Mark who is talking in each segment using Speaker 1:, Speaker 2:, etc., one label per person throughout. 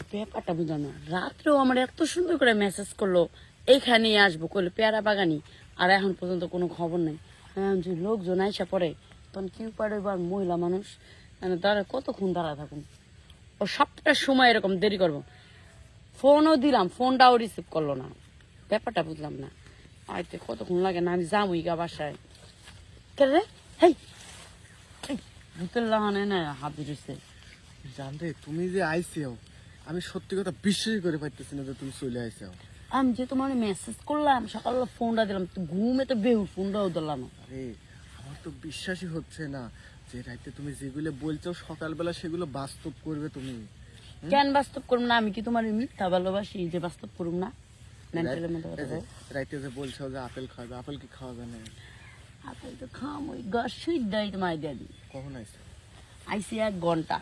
Speaker 1: ব্যাপারটা বুঝলাম না, রাত্রেও আমার এত সুন্দর করে মেসেজ করলো এইখানেই আসবো করলো পেয়ারা বাগানি, আর এখন পর্যন্ত কোনো খবর নেই। এখন যদি লোকজন আইসা পড়ে তখন কি পারে, এবার মহিলা মানুষ মানে দাঁড়া কতক্ষণ দাঁড়া থাকুন, ও সবটা সময় এরকম দেরি করবো। ফোনও দিলাম, ফোনটাও রিসিভ করলো না, ব্যাপারটা বুঝলাম না। আইতে কতক্ষণ লাগে না, আমি যাবই গা বাসায়। কে রে? হেই ভূতের লাগানে না হাত ধরেছে।
Speaker 2: জানতে তুমি যে আইসিও, আমি সত্যি কথা বিশ্বাসই করে পাইতেছি না যে তুমি চলে আইসিও।
Speaker 1: আমি যে তোমার মেসেজ করলাম সকালবেলা, ফোনটা দিলাম, ঘুমে তো বেহু, ফোনটাও দিলাম।
Speaker 2: আরে আমার তো বিশ্বাসই হচ্ছে না যে রাইতে তুমি যেগুলো বলছো সকালবেলা সেগুলো বাস্তব করবে তুমি।
Speaker 1: কেন বাস্তব করুম না? আমি কি তোমার মিথ্যা ভালোবাসি যে বাস্তব করুম না? মেন্টালের মধ্যে কথা বলো।
Speaker 2: রাইতে যে বলছো যে আপেল খাবে, আপেল কি খাওয়া যায় না?
Speaker 1: আপেল তো খাম, ওই গাছ সুইট দেয় তোমায় দিয়ে দিই।
Speaker 2: কখন আইসো?
Speaker 1: আইসি 1 ঘন্টা।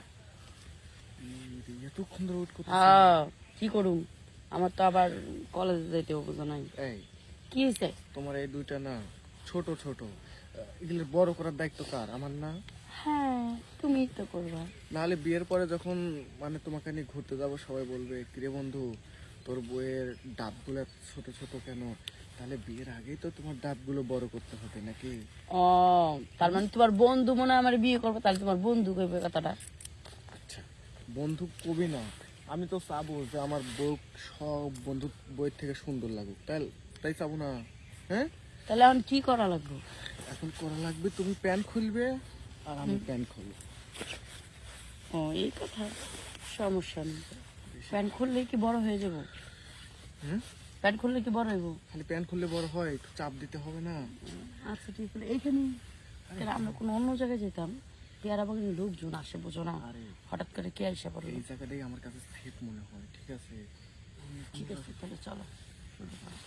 Speaker 2: এতক্ষণ ধরে ওয়েট করতেছি।
Speaker 1: হ্যাঁ কি করুম, আমার তো আবার কলেজে যেতে বুঝো নাই।
Speaker 2: এই
Speaker 1: কি হয়েছে?
Speaker 2: তোমার এই দুইটা না ছোট ছোট, এগুলো বড় করার দায়িত্ব কার? আমার না?
Speaker 1: হ্যাঁ তুমি তো করবা।
Speaker 2: নাহলে বিয়ের পরে যখন মানে তোমাকে নিয়ে ঘুরতে যাবো সবাই বলবে কিরে বন্ধু তোর বইয়ের দাঁতগুলো ছোট ছোট কেন? তাহলে বিয়ের আগেই তো তোমার দাঁতগুলো বড় করতে হবে নাকি?
Speaker 1: ও তার মানে তোমার বন্ধু মনে হয় আমার বিয়ে করবো, তাহলে তোমার বন্ধু কইবে কথাটা।
Speaker 2: আচ্ছা বন্ধু কবি না, আমি তো চাবো যে আমার বউ সব বন্ধু বইয়ের থেকে সুন্দর লাগুক, তাই তাই চাবো না? হ্যাঁ
Speaker 1: তাহলে এখন কি করা লাগবে?
Speaker 2: এখন করা লাগবে তুমি প্যান্ট খুলবে আর আমি প্যান্ট খুলবো।
Speaker 1: ও এই কথা, সমস্যা নেই। প্যান্ট খুললে কি বড় হয়ে যাবো?
Speaker 2: হুম
Speaker 1: প্যান্ট খুললে কি বড় হইব?
Speaker 2: খালি প্যান্ট খুললে বড় হয়? একটু চাপ দিতে হবে না?
Speaker 1: আচ্ছা ঠিক আছে, এইখানে আমরা কোনো অন্য জায়গায় যেতাম, পেয়ারা বাগানে লোকজন আসে বুঝো না,
Speaker 2: আরে
Speaker 1: হঠাৎ করে কে আইসা পড়লো।
Speaker 2: এই জায়গাটাই আমার কাছে সেফ মনে হয়। ঠিক আছে
Speaker 1: ঠিক আছে তাহলে চলো শুরু করো।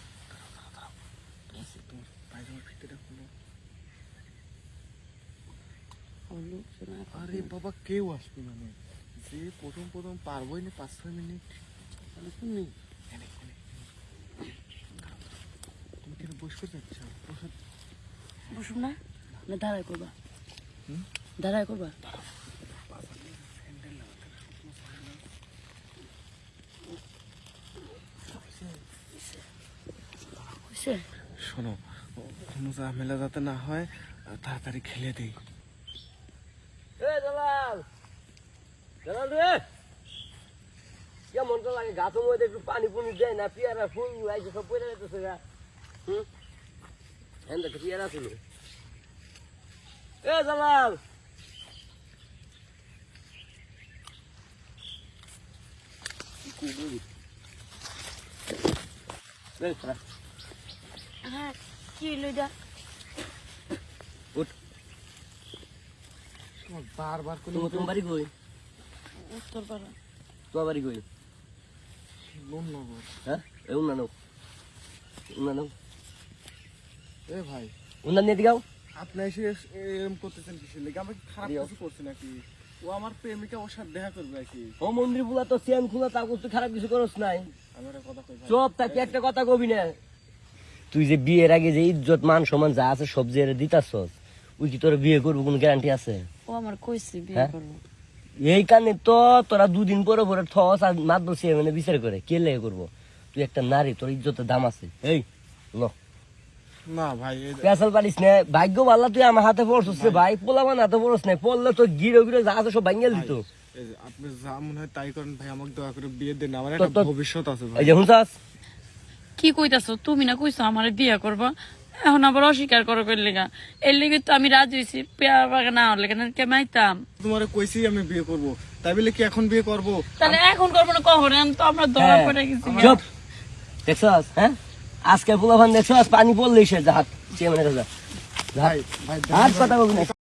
Speaker 2: তোমার পায়জামার ফিতেটা খুলো।
Speaker 1: আমার লোকজন
Speaker 2: আরে বাবা কেউ আসবে মানে, যে প্রথম প্রথম পারবোই না 5-6 মিনিট।
Speaker 1: নেই,
Speaker 2: তুমি কেন বসে যাচ্ছ?
Speaker 1: বসুন না, না দাঁড়ায় করবা,
Speaker 2: হুম?
Speaker 1: দাঁড়ায় করবা।
Speaker 2: শোনো, কোনো ঝামেলা যাতে না হয়, তাড়াতাড়ি খেলে দিই।
Speaker 3: কেমনটা লাগে গাছের মধ্যে একটু পানি পুনি দেয় না, পেয়ারা ফুল আইছে সব পড়ে যেতেছে গা। একটা পেয়ারা ছিল। এ জালাল,
Speaker 1: হ্যাঁ কি লইডা
Speaker 2: বারবার করে
Speaker 3: তোমার বাড়ি কই?
Speaker 1: উত্তর পাড়া।
Speaker 3: তোমার বাড়ি কই?
Speaker 2: লোননগর।
Speaker 3: হ্যাঁ উন্নানো উন্নানো
Speaker 2: এ ভাই
Speaker 3: উন্নান নিয়ে দিগাও।
Speaker 2: আপনি এসে এরকম করতেছেন কিসের লেগে? আমি কি খারাপ কিছু করছি নাকি? ও আমার প্রেমিকা, ওর সাথে দেখা করবে নাকি?
Speaker 3: ও মন্দির বুলা তো চেন খোলা, তা করতে খারাপ কিছু করস নাই।
Speaker 2: আমি একটা কথা কই ভাই।
Speaker 3: চুপ থাকি, একটা কথা কবি না। তুই যে বিয়ের আগে যে ইজ্জত মান সম্মান যা আছে সব যে দিতাছস, ওই কি তোর বিয়ে করবো কোনো গ্যারান্টি আছে?
Speaker 1: ও আমার কইছে বিয়ে
Speaker 3: হ্যাঁ?
Speaker 1: করবো।
Speaker 3: এই কারণে তো তোরা দুদিন পরে পরে ঠস আর মাত বসে মানে বিচার করে কে লেগে করবো? তুই একটা নারী, তোর ইজ্জতের দাম আছে। এই ল
Speaker 2: না ভাই
Speaker 3: পেশাল পারিস না, ভাগ্য ভাল্লা তুই আমার হাতে পড়ছিস রে ভাই, পোলামান হাতে পড়স না, পড়লে তো গিরো গিরো যা আছে সব ভাঙ্গেল দিত।
Speaker 2: এই যে আপনি যা মনে হয় তাই করেন ভাই, আমাকে দয়া করে বিয়ে দেন, আমার
Speaker 3: তো-
Speaker 2: একটা
Speaker 3: তো-
Speaker 2: ভবিষ্যৎ আছে ভাই।
Speaker 3: এই যে হুঁচাস
Speaker 1: কি কইতাছো? তুমি না কইছো আমার বিয়ে করবা, এখন আবার অস্বীকার করো কইর লেগা? এর লেগে তো আমি রাজি হয়েছি, পেয়ারা বাগান না হলে কেন কেমাইতাম।
Speaker 2: তোমারে কইছি আমি বিয়ে করব, তাই বলে কি এখন বিয়ে করব?
Speaker 1: তাহলে এখন করবো না কখন? এখন তো আমরা ধরা পড়ে গেছি।
Speaker 3: চুপ দেখছস? হ্যাঁ আজকে পোলাভান দেখছস পানি পড়লেই সে জাহাজ সে মানে
Speaker 2: ভাই ভাই
Speaker 3: হাত কথা বলবি না।